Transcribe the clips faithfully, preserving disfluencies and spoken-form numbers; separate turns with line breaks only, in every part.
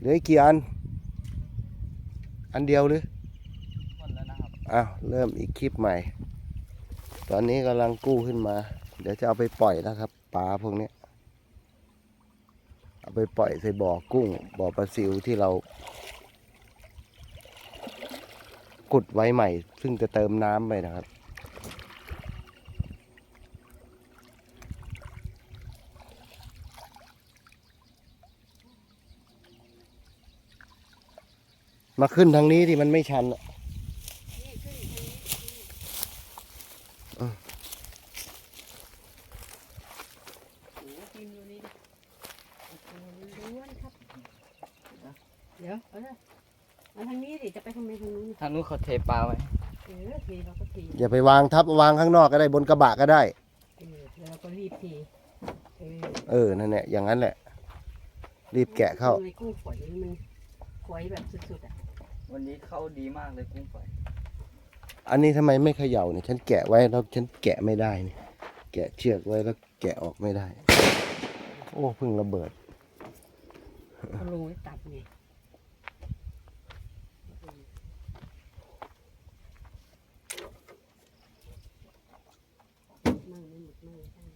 เหลือกี่อันอันเดียวหรือ
หมดแล้วนะครับ
อ้าวเริ่มอีกคลิปใหม่ตอนนี้กำลังกู้ขึ้นมาเดี๋ยวจะเอาไปปล่อยแล้วครับปลาพวกนี้เอาไปปล่อยใส่บ่อกุ้งบ่อปลาซิวที่เราขุดไว้ใหม่ซึ่งจะเติมน้ำไปนะครับมาขึ้นทางนี้ที่มันไม่ชันอ่ะ
เดี๋ยวเอาเลยมาทางนี้ดิจะไปทำไมทางนู้น
ทางนู้นเขาเทปลาไว้
เออทีเราก็ที
อย่าไปวางทับวางข้างนอกก็ได้บนกระบะก็ได้
เออแล้วเราก็รีบทีเออ
เออนั่นแหละอย่างนั้นแหละรีบแกะเข้า
ในกุ้งฝอยมันฝอยแบบสุดๆอ่ะ
วันนี้เข้าดีมากเลยกุ้งฝอย
อันนี้ทำไมไม่เขย่าเนี่ยฉันแกะไว้แล้วฉันแกะไม่ได้เนี่ยแกะเชือกไว้แล้วแกะออกไม่ได้โอ้เพิ่งระเบิด
เขาลงไว้ตัดไงมั่งไม่หมดมั่งไม่ได้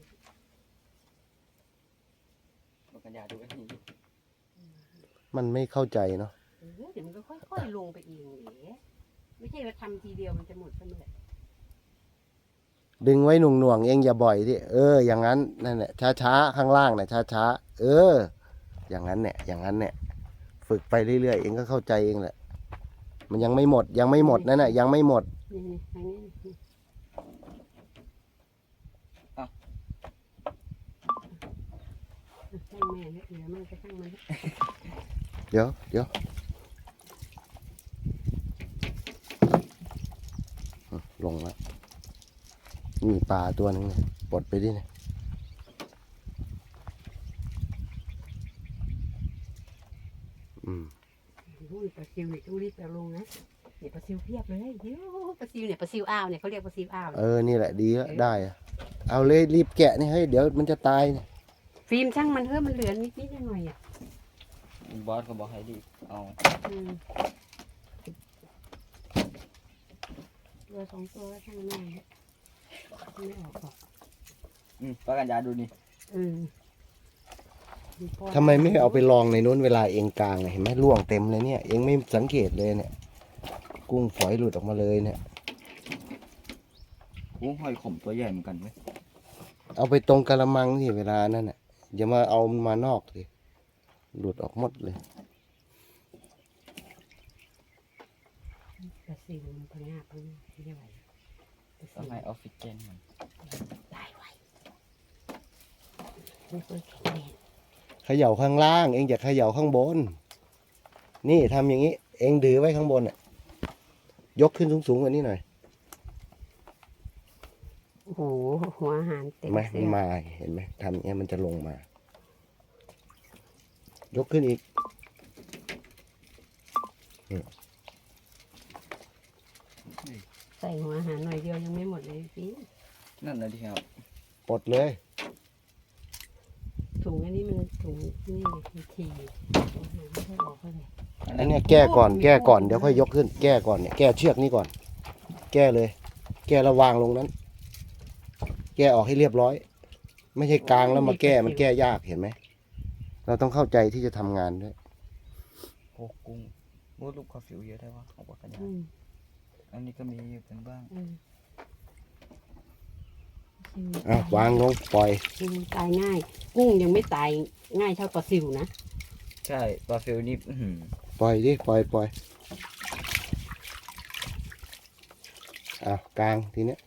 บอกกันยาดูกันที
มันไม่เข้าใจเนาะ
เออเดี๋ยวมันก็ค่อยๆลงไปเองเอ๋ไม่ใช่ว่าทำทีเดียวมันจะหมดเสมอ
ดึงไว้หน่วงๆเองอย่าบ่อยดิเอออย่างนั้นนั่นแหละช้าๆข้างล่างเนี่ยช้าๆเอออย่างนั้นเนี่ยอย่างนั้นเนี่ยฝึกไปเรื่อยๆเองก็เข้าใจเองแหละมันยังไม่หมดยังไม่หมดนั่นแหละยังไม่หมด
นี่นี่ทางนี้นี่ช่างแม่เนี่ยเดี๋ยวมันจะช่างมัน
เดี๋ยวเดี๋ยวลงแล้วมีปลาตัวหนึ่งเนี่ยปลดไปดิเนี่ยอืม
นู่นปลาซิวเนี่ยต้องรีบเอาลงนะเนี่ยปลาซิวเพียบเลยเดี๋ยวปลาซิวเนี่ยปลาซิวอ้าวเนี่ยเขาเรียกปลาซิวอ้าว
เออนี่แหละดีแล้วได้อะเอาเลยรีบแกะนี่ให้เดี๋ยวมันจะตายเนี่ย
ฟิล์มช่างมันเถอะมันเหลือนิดนิดหน่อยๆอ่ะ
บอสก็บอกให้ดีเอา
อืมตัวสองตัวก็ช่างแม่เนี่ยไม่ออกหรอก
อืมบอกกันยาดูนี่
อืม
ทำไมไม่เอาไปลองในนู้นเวลาเองกลางเนี่ยเห็นไหมร่วงเต็มเลยเนี่ยเองไม่สังเกตเลยเนี่ยกุ้งฝอยหลุดออกมาเลยเนี่ย
กุ้งหอยขมตัวใหญ่เหมือนกันเว้ย
เอาไปตรงกระมังที่เวลานั่นน่ะอย่ามาเอามันมานอกสิหลุดออกหมดเลย
ปลาซิวมันพังงาบพังงาบไม่ไหวปลาซิ
ต้อง
ว
ให้ออกซิเจนมัน
ได้ไวไม่เคยแข็งแรง
เขย่าข้างล่าง เองอย่าเขย่าข้างบน นี่ทำอย่างนี้ เองดื้อไว้ข้างบนน่ะยกขึ้นสูงๆกว่านี้หน่อย
โอ้โหหัวอาหารเต็ม
ไหม
เสื้
มัน
อ
มาเห็นไหมทำอย่างนี้มันจะลงมา ยกขึ้นอีก
ใส่หัวอาหารหน่อยเดียวยังไม่หมดเลยพี่
นั่นนะที่ครับ
ปลดเลย
ถุงอันนี้มันถุงนี่มันทีหัวอาหารไม่ค่อยออกเท่าไหร่
อันเนี้ยแก้ก่อนแก้ก่อนเดี๋ยวค่อยยกขึ้น แก้ก่อนเนี่ยแก้เชือกนี้ก่อน แก้เลย แก้ระวางลงนั้น แก้ออกให้เรียบร้อย ไม่ใช่กลางแล้วมาแก้มันแก้ยากเห็นไหมเราต้องเข้าใจที่จะทำงานด้วย
โอ้กุ้งมูดลูกคอฟิวเยอะได้วะของบอกกันยา
อืม
อันนี้ก็มีอยู่กันบ้าง
อืม
อ่ะวางลงปล่อย
อืมตายง่าย กุ้งยังไม่ตายง่ายเท่าปลาซิวนะ
ใช่ปลาฟิวนี่อื้อหือ
ปล่อยดิปล่อยปล่อยอ่ะกลางทีเนี้ย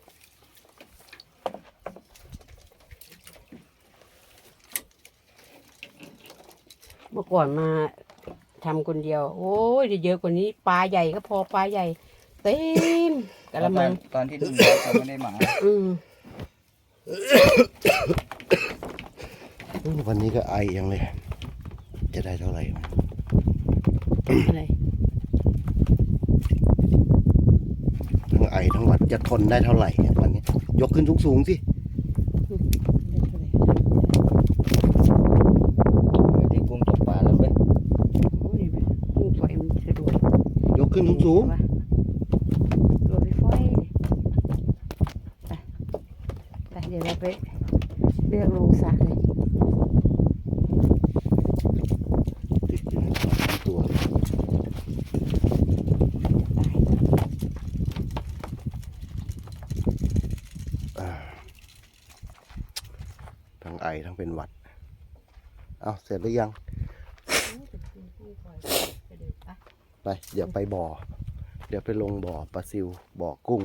เมื่อก่อนมาทำคนเดียว โอ้ยเยอะกว่านี้ปลาใหญ่ก็พอปลาใหญ่ เต็มกระมัง
ตอนที่ลุงบอสเขาไม่ได้มา
อืม
วันนี้ก็ไอยังเลย จะได้เท่าไหร่วะ
อะไร
ทั้งไอทั้งหวัดจะทนได้เท่าไหร่เนี่ยวันนี้ ยกขึ้นสูงๆสิ
ได้กุ้งตกปลาแล้วเว้ย
โอ้ยไป
ขึ้นสูง
โรยไฟไปไปเดี๋ยวเราไปเลือกลงสระเลย
ติดอยู่ในสองตัว อ่าทั้งไอทั้งเป็นหวัด เอาเสร็จหรือยัง ไป เดี๋ยวไปบ่อ เดี๋ยวไปลงบ่อปลาซิว บ่อกุ้ง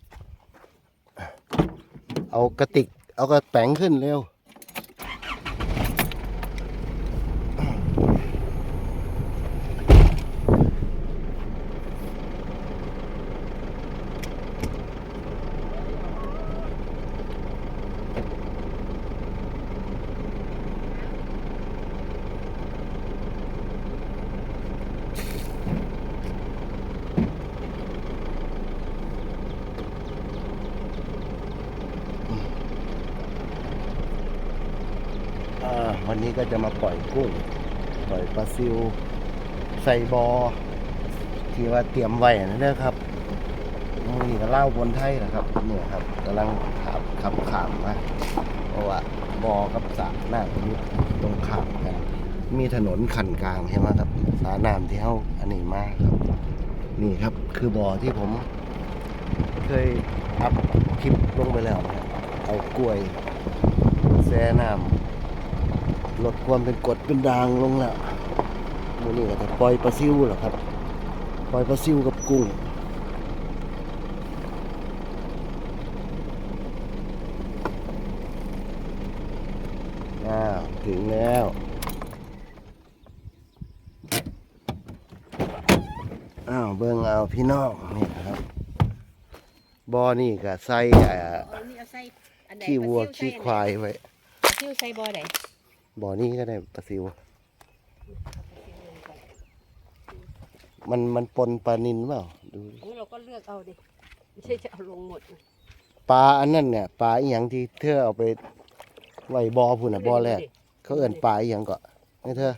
เอากระติก เอากระแป๋งขึ้นเร็ว อ่าวันนี้ก็จะมาปล่อยกุ้ง ปล่อยปลาซิว ใส่บอที่ว่าเตรียมไว้นะเด้อครับมือนี่ก็เล่าบนไทยนะครับเนี่ยครับกำลังขับขับขามมาเพราะว่าบอกับสระน้ำอยู่ตรงข้ามกัน มีถนนขันกลางใช่ไหมครับสระน้ำที่เขาอันนี้มากครับ นี่ครับคือบอที่ผม เคยอัพคลิปลงไปแล้วนะครับเอากล้วยแช่น้ำลดความเป็นกรดเป็นด่างลงแล้วมูนี่ก็จะปล่อยปลาซิวเหรอครับ ปล่อยปลาซิวกับกุ้งอ้าวถึงแล้วอ้าวเบิ่งเอาพี่น้องนี่นะครับบ่อนี่ก็ใส่อ่า
นี่เอาใส่อันใด
ขี้วัวขี้ควายไว้
ปลาซิวใส่บ่อใด
บ่อนี้ก็ได้ปลาซิว มันมันปนปลานิลเปล่าดูดิ
เราก็เลือกเอาดิไม่ใช่จะเอาลงหมดนะ
ปลาอันนั้นเนี่ยปลาอีหยังที่เธอเอาไปไว้บ่อพุ่นน่ะบ่อแรกเขาเอิ้นปลาอีหยังก็นี่เธอ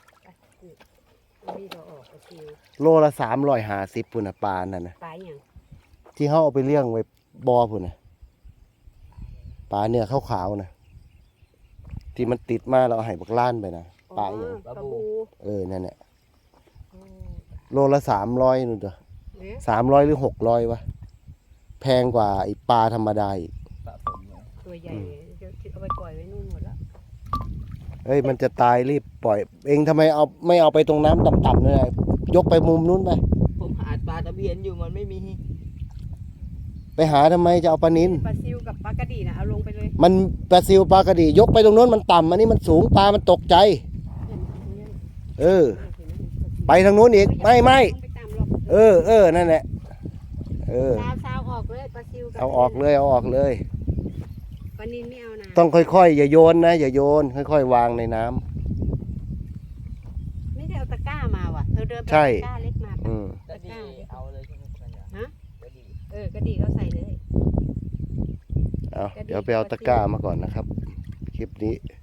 นี่เราออกปลาซิว
โลละสามร้อยห้าสิบพุ่นน่ะปลานั่นน่ะ
ปลาอย่าง
ที่เขาเอาไปเลี้ยงไว้บ่อพุ่นน่ะปลาเนี่ยขาวๆน่ะที่มันติดมาแล้วเอาให้บักล้านไปนะปลาอีหยัง
ปลาบู
เออนั่นแหละ
โอ้
โลละสามร้อยนู่นเด้อ
เอ๊ะ
สามร้อยหรือหกร้อยวะแพงกว่าไอ้ปลาธรรมดาอีก
สะสมเนี่ย
ตัวใหญ่เดี๋ยวเอาไปปล่อยไว้นู่นหมดแล้ว
เฮ้ยมันจะตายรีบปล่อย เองทำไมเอาไม่เอาไปตรงน้ำต่ำๆเลยยกไปมุมนู้นไป
ผมหาปลาตะเพียนอยู่มันไม่มี
ไปหาทำไมจะเอาปลานิล
ปลาซิวกับปลากระดีนะเอาลงไปเลย
มันปลาซิวปลากระดียกไปตรงนู้นมันต่ำอันนี้มันสูงปลามันตกใจ เออ ไปทางนู้นอีกไม่ไม่
ไปตามหรอก
เออเออนั่นแหละเออ
ซาวซาวออกเลยปลาซิวกับ
เอาออกเลยเอาออกเลย
ปลานิลไม่เอานะ
ต้องค่อยๆอย่าโยนนะอย่าโยนค่อยๆวางในน้ำ
ไม่ได้เอาตะกร้ามาว่ะเธอเดินไป
ใช่
ตะกร้าเล็กมา
อืม
กระดีเอาเลยใช่ไหมสัญญา
ฮะ
กระดี
เออกระดีก็ใส่เลย
เอาเดี๋ยวไปเอาตะกร้ามาก่อนนะครับ คลิปนี้